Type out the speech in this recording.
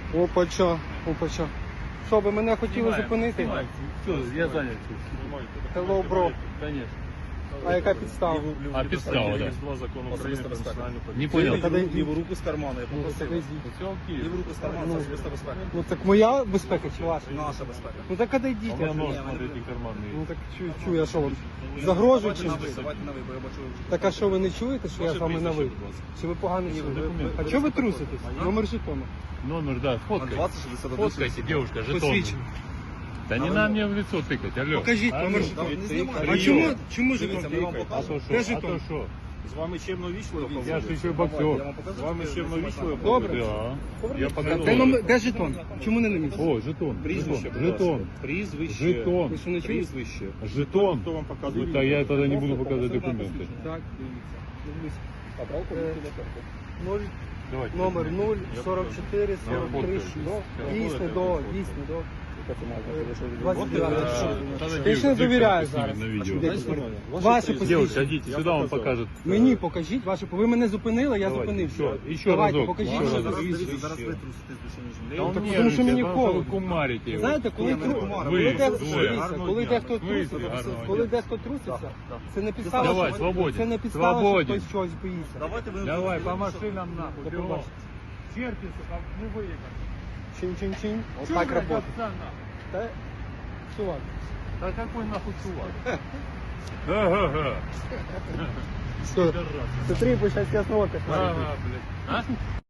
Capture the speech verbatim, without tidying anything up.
Опача, опача. Що, ви мене хотіли зупинити? Все, я зайнят. Hello, bro. Конечно. А яка підстава? А підстава, да. Закон України про національну Не поліцію. понял. Коли- Ліву руку з кармана, я Ну, попросив. так, Все окей. Ліву руку з кармана, це особиста безпека. ну так моя безпека чи ваша? Наша безпека. Ну так А отойдіть. у меня я ж- нож, смотрите, карманный. Ну так чую, чую, я що вам? Загрожую чи? Давайте на ви, давайте на ви, бо я бачу. Так а що ви не чуєте, що я з вами на ви? Чи ви погано чуєте? документи. А чого ви труситесь? Номер жетону. Номер, да, фоткай. двадцять шістдесят один. Фоткайте, девушка, жетон. Посвідчення. Да не на мне в лицо тыкать, алло. Покажіть Алло. номер Давай, жетону. не знімай. А Прийом. чому, чому Дивіться, жетон ми вам тикає? А то Де что? А жетон? то что? З вами чемно вічливо. Я ж еще Давай, боксер. я вам покажу, З вами що чемно ви вічливо? Добре. Да. Я Де, показал. номер, де жетон? Чому не на місці? О, жетон. Прізвище, Жетон. будь ласка. Жетон. Прізвище. Жетон. Ви що не чуєте? Прізвище. Жетон. Хто вам показує? Да я тогда не буду показывать документы. Так, дивіться. А брав Е, нуль, Давайте. номер нуль, сорок чотири, сорок три, фоткаю. шість. Дійсно, Я до, фоткаю. дійсно, до. Е, двадцять дев'яте. Надо Ти ж не девушку довіряєш снимать зараз. на видео. Де посвідчення? Ваше Девушка, посвідчення. идите, сюда он покажет. Мені покажіть ваше, ви мене зупинили, я Давайте, зупинився. ще- ще Давайте, разок. покажіть Ще ваше разок. посвідчення. Зараз ви труситесь більше, ніж Да я. он так нервничает, потому что мне потому что холодно. вы кумарите его. Знаєте, коли, Я не тру... кумар, коли, ви де... двоє. дивіться, Гарного коли дня. дехто Ви труситься, гарного коли дня. дехто труситься, Да, да. це не підстава, Давай, що... свободен. це не підстава, що Свободен. хтось чогось боїться. Давайте ви... Давай, по машинам нахуй, До бегом. побачення. Черти, сука, не выехали. Чин-чин-чин. Вот Чё, так блядь, работает. овца, нахуй? Да, чувак. Да какой нахуй чувак? Ага, Что? Смотри, пусть сейчас я снова кошмарит. ага, блядь. А?